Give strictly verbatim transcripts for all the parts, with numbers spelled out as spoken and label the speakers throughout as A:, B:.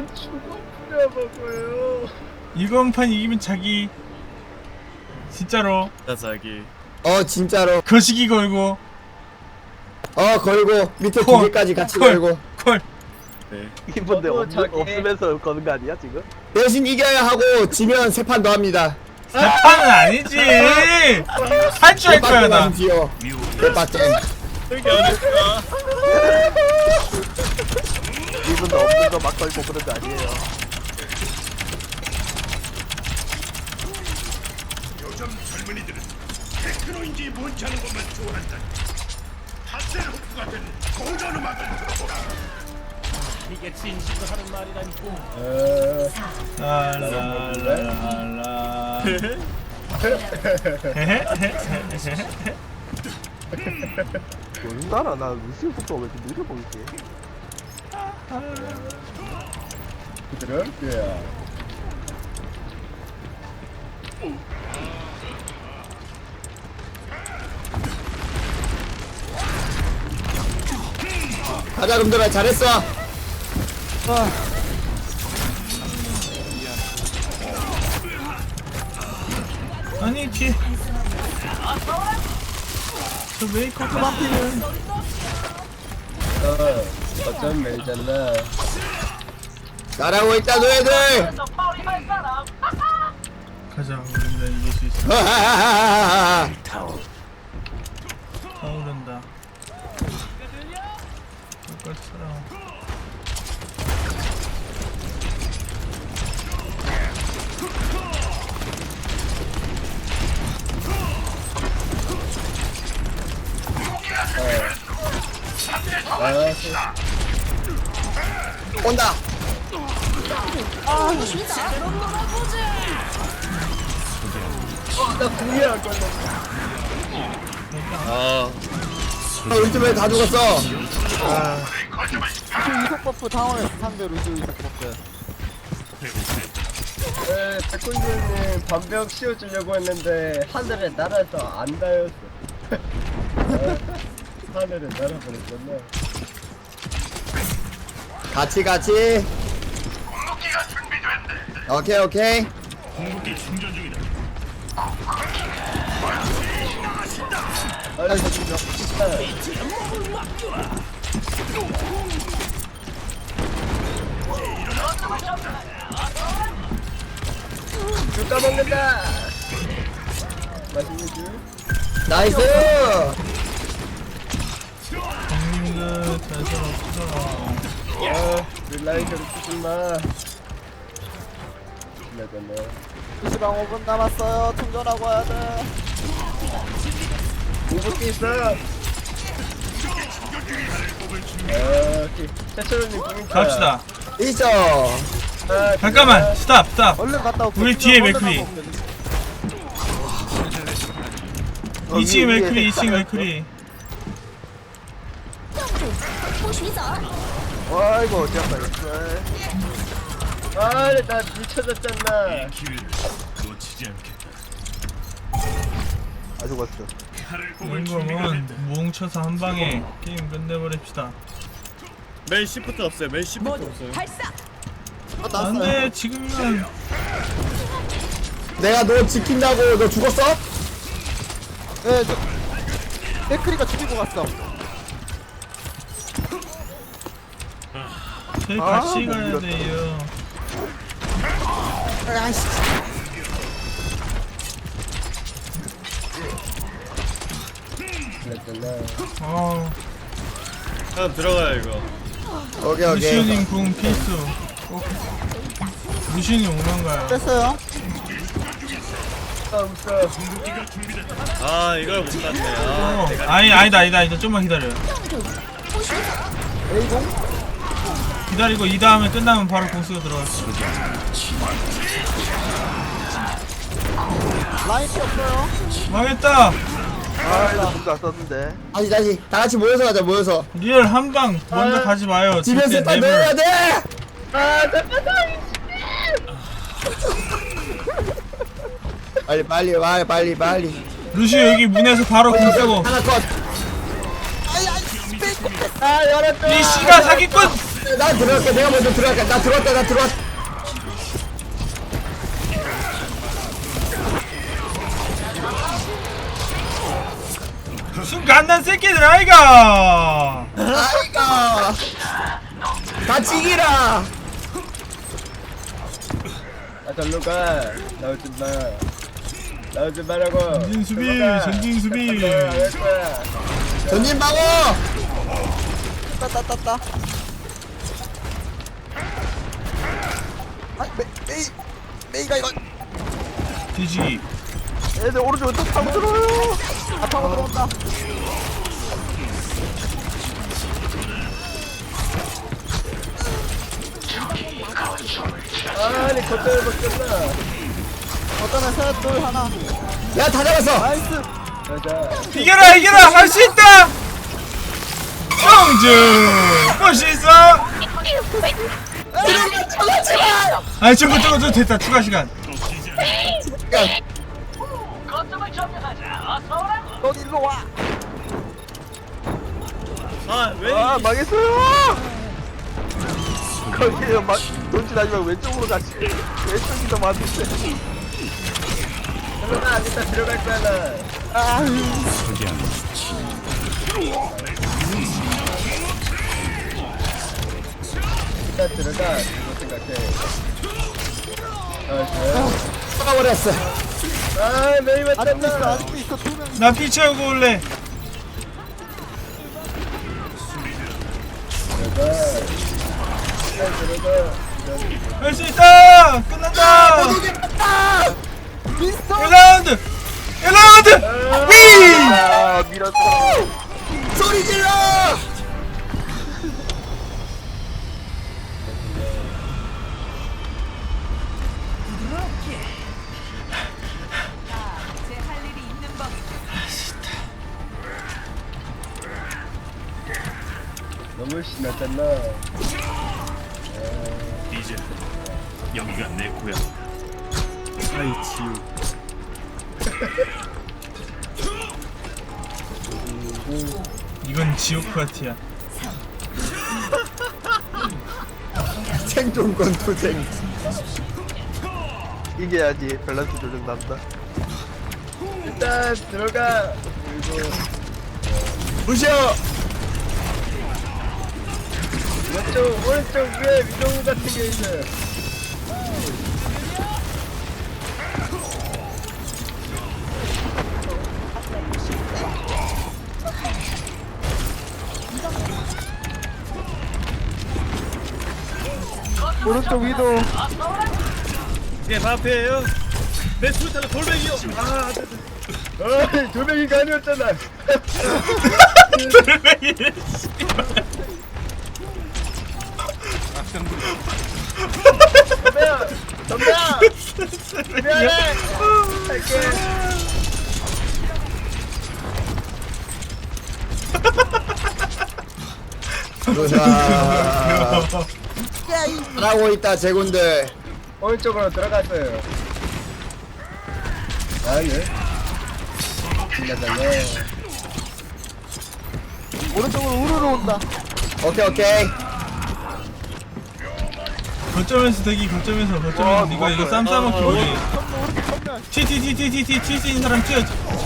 A: 이기면 죽어버려 먹어요.
B: 이번 판 이기면 자기 진짜로
C: 자 자기
A: 어 진짜로.
B: 거시기 걸고
A: 어 걸고 밑에
B: 콜,
A: 두 개까지 같이
B: 콜.
A: 걸고.
B: 콜.
C: 네.
D: 이분데
E: 저도
D: 없는,
E: 저기-
D: 없으면서 거는 거 아니야 지금?
A: 대신 이겨야 하고 지면 세 판 더 합니다.
B: 세 판은 아니지. 할 줄 알 거야 나.
A: 뒤요. 대박잼.
C: 되게 어렵다.
D: 이분도 없는 거 막 걸고 그런 거 아니에요.
F: 요즘 젊은이들은 테크노인지 뭔지 아는 것만 좋아한다. 하셀호프 같은 고전 음악을 들어보라.
E: 이게 진심으로 하는 말이라니까.
B: 라라라라.
D: 뭔가라 나 루시오 속도 왜 이렇게 느려 보이지?
A: 그럴게요. 가자 금들아 잘했어.
B: 아니 뒤에 저 메이크업 만피는
A: 어 어쩜 매잖아. 잘하고 있다 너희들.
B: 가자 우리가 이길 수 있어.
A: 하하하하하.
B: 타오른다. 똑같처럼.
A: 온다.
C: 아
A: 아, 우리 팀에 다 죽었어.
D: 이속 버프 당황해서 상대 루시오 이속 버프.
E: 네, 백군주님 반벽 씌워주려고 했는데 하늘에 날아서 안 닿였어. 하늘에 날아버렸잖아.
A: 같이 같이. 오케이 오케이.
F: 궁극기 충전 중이다.
E: 아, 진짜. 줄 까먹는다. 맛있는 줄.
A: 나이스.
B: 형님들 잘살 없어.
E: 아, 릴라이저를 쓰지 마. 지나잖아.
D: 루시방 오 분 남았어요. 충전하고 와야 돼.
E: 공격기 있어. 아, 오케이. 최철호님 공격.
B: 갑시다.
A: 있어.
E: 아,
B: 잠깐만 스탑 스탑.
D: 얼른 갔다 올게.
B: 우리 뒤에
D: 얼른
B: 맥크리.
D: 갔다 올게. 어,
B: 이 층에
D: 위에, 위에
B: 맥크리 이 층에
D: 색깔
B: 맥크리.
D: 아이고 어찌한다 이거.
E: 아, 나 미쳐졌잖아.
F: 기회를 놓치지 않겠다.
D: 아 죽었어.
F: 칼을 뽑을 준비가
B: 이거면
F: 됐다.
B: 뭉쳐서 한 방에 게임 끝내버립시다.
C: 맨 시프트 없어요. 맨 시프트 없어요.
B: 안돼 지금은
A: 내가 너 지킨다고 너 죽었어?
D: 네, 저 맥크리가 죽이고 갔어.
B: 저희
D: 아,
B: 같이
D: 못
B: 가야
D: 밀었다.
B: 돼요.
A: 아이씨.
B: 어
C: 형 들어가요 이거.
A: 오케이 오케이.
B: 루시오님 궁 필수. 꼭 루시오님 오는가요?
D: 뺐어요.
E: 아, 웃어.
C: 아 이걸 못 갔네. 아
B: 어, 아니 아니다 아니다 아니다 좀만 기다려요.
D: A공?
B: 기다리고 이 다음에 끝나면 바로 공수가 들어갔어.
D: 라인 피 없어요.
B: 망했다.
D: 아, 나 공도 안 썼는데.
A: 다시 다시 다 같이 모여서 가자 모여서.
B: 리얼 한방 먼저
E: 아,
B: 가지 마요.
A: 집에
B: 절대
A: 세판
B: never.
A: 넣어야 돼.
E: 아, 잠깐만.
A: 빨리 빨리 와 빨리 빨리.
B: 루시오 여기 문에서 바로 공수고.
A: 하나 컷.
E: 아, 열었다.
B: 이 씨가 사기꾼.
A: 나 들어갈게. 내가 먼저 들어갈게. 나 들어왔다. 나 들어왔.
B: 무슨 갓난 새끼들 아이가.
A: 아이가. 같이 이기라.
E: 아 절로 가. 나오지 마. 나오지 말라고.
B: 전진 수비,
E: 절로 가.
B: 전진 수비.
E: 할 거야.
A: 전진 방어.
D: 따따따따. 아, 메, 메이, 메이가 이거.
B: 뒤지기.
D: 얘들 오른쪽에 또 타고 들어와요. 아, 타고 들어온다.
E: 아니 겉절을 벗겼나.
D: 어떤 애셋 둘 하나.
A: 야, 다 잡았어.
D: 나이스.
E: 가자.
B: 이겨라 이겨라 할 수 있다. 성주 멋있어.
A: 들어가. 쳐가지 마.
B: 아니 저거 저거 저 됐다 추가 시간.
A: 야,
D: 넌 일로 와.
C: 아왜
D: 아, 망했어요. 거기에 막 돈지 아니면 왼쪽으로 가지. 왼쪽이 더 맞는데.
E: 절로 가. 이따 들어갈 거야 나.
D: 아,
E: 이따 들어가. 이거 생각해. 아
A: 쳐가버렸어.
E: 그래. 아 메이
D: 아직도 있어,
E: 맞잖아.
D: 아직도 있어. 두 명.
B: 나 피 채우고 올래.
E: 들어가. 이따 들어가.
B: 할 수 있다. 끝난다.
D: 미스터.
B: 일 라운드 일 라운드 위.
D: 아, 밀었어.
A: 소리 질러.
E: 너무 신났잖아.
F: 이제 여기가 내 고향.
C: 아이 지우
B: 이건 지옥 파티야.
A: 생존권 투쟁.
D: 이겨야지 밸런스 조정 난다.
E: 일단 들어가. 그리고
A: 부셔.
E: 왼쪽 오른쪽 위에 위도우 같은 게 있어.
D: 오른쪽 위도.
C: 이게 바페예요 내 수류탄은 돌멩이요 아 안돼
E: 어이 돌멩이가 아니었잖아.
B: 돌멩이.
E: 덤벼 덤벼. 미안해. 할게.
A: 보자. 잘하고 있다, 제군들.
E: 오른쪽으로 들어갔어요. 아니. 신나잖아.
D: 오른쪽으로 우르르 온다.
A: 오케이, 오케이.
B: 거점에서 대기 거점에서 거점에서 네가 이거 쌈 싸먹기 우리 티티티티티티 칠 수 있는 사람 튀어.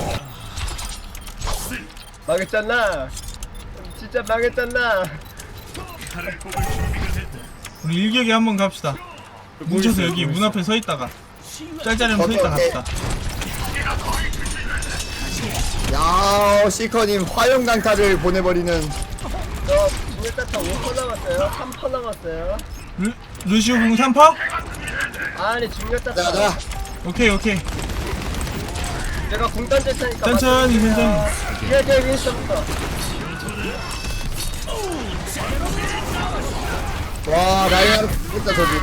E: 망했잖아. 진짜 망했잖아.
B: 우리 일격에 한번 갑시다. 뭉쳐서 여기 문 앞에 서 있다가 짤짤이면 서 있다 갑시다.
A: 야, 시커님 화염 강타를 보내버리는.
E: 저 중력자타 오 퍼 남았어요. 삼 퍼 남았어요.
B: 루, 루시오 공 삼 퍼?
E: 아니 중력자타.
A: 자, 자.
B: 오케이 오케이.
E: 내가 공 던질 테니까.
B: 천천히,
E: 맞춰주세요.
B: 천천히.
E: 뒤에 뒤에 윈스턴부터.
A: 와, 라이언 진짜 저기.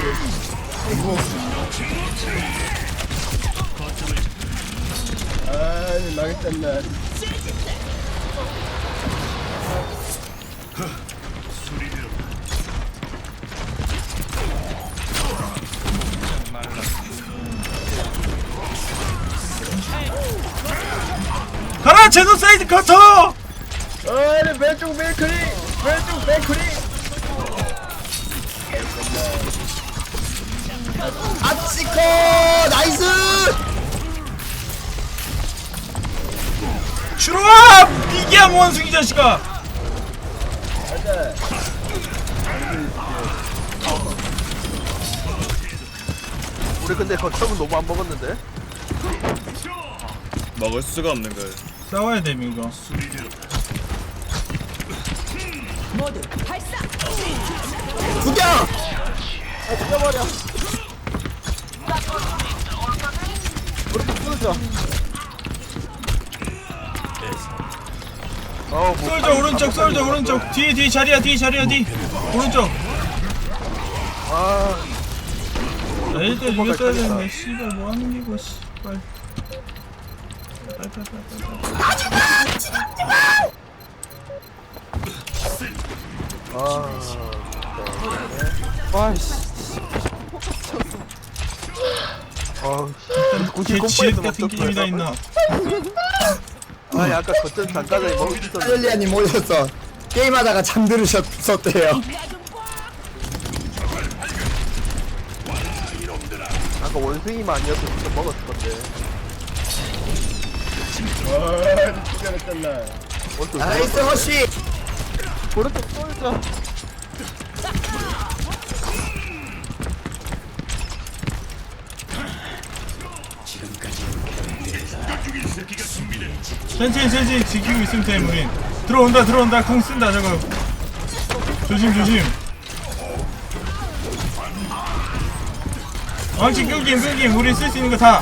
E: 아니 망했잖아.
B: 가라 제노사이드 커터.
E: 아니 왼쪽 맥크리. 왼쪽 맥크리.
A: 나이스.
B: 들어와! 이게야 원숭이 자식아!
E: 맞아.
D: 우리 근데 거점은 너무 안 먹었는데.
C: 먹을 수가 없는 걸.
B: 싸워야 돼 이거.
A: 죽여.
D: 아 죽여버려. 우리 좀 끊어줘. 어, 뭐
B: 쏠져 오른쪽 쏠져 오른쪽 뒤에 뒤에 자리야 뒤에 자리야 뒤 오른쪽.
D: 아,
B: 나 일단 이겼어야 되는데 씨발 뭐하는 기고 씨발.
D: 아, 와이씨. 아,
B: 개 지읒 같은 게임이 다 있나?
D: 아니 아까 거점 잠깐에 먹을 수 있었는데.
A: 할렐리아님 오셨어. 게임하다가 잠들으셨었대요.
D: 아까 원숭이만 아니었으면 진짜 먹었을 건데.
E: 와, 죽여냈잖아.
D: 원숭이.
A: 나이스 허쉬.
D: 오른쪽 쏠자.
B: 천천히 천천히 지키고 있으면 돼 우린. 들어온다 들어온다 콩 쓴다 저거. 조심 조심. 왕치 끊김 끊김 우리 쓸 수 있는 거 다.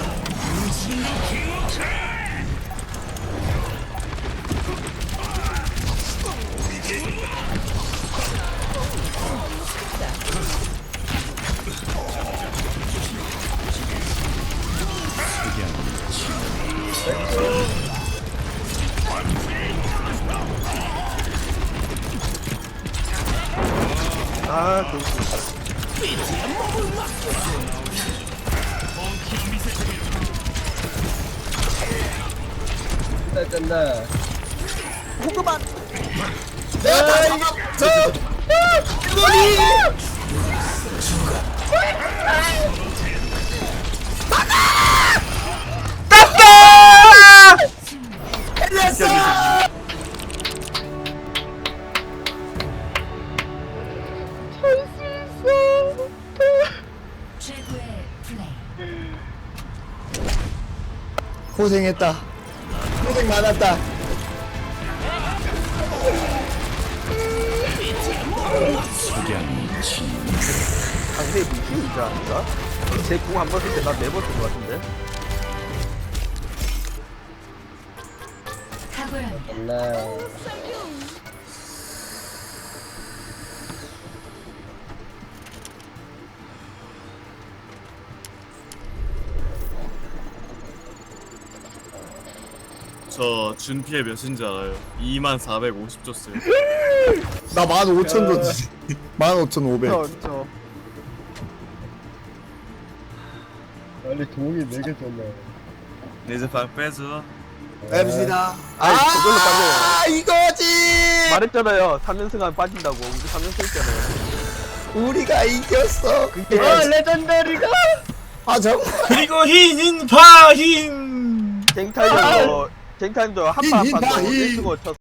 D: 아, 그.
E: 죽였잖아.
D: 호그만.
A: 내가 다 잡았어. 이거니.
B: 땄다!
A: 해냈어.
G: 최고의 플레이.
A: 고생했다. 고생 많았다.
D: 상대의 무시이지 않을까? 제궁 한 번 쓸 때 나 네 번 쓴 것 같은데.
G: 탁월합니다.
E: 나
C: 저 준피해 몇인지 알아요? 이만 사백오십 줬어요.
A: 나 만 오천 줬지. 만 오천 오백.
D: 저, 저.
E: 원래 동이 네개 줬네.
C: 이제 방 빼줘.
A: 앱시다.
D: 아이, 저걸로 빠져요.
A: 아 이거지.
D: 말했잖아요. 삼 연승하면 빠진다고. 우리 삼 연승 했잖아요.
A: 우리가 이겼어.
D: 그게
E: 아, 레전더리가.
A: 아 정말.
B: 그리고 흰 인파 흰.
D: 쟁타임도 쟁타임도 한판
A: 이- 이-
D: 한판
A: 이-
D: 일 쓰고 쳤어.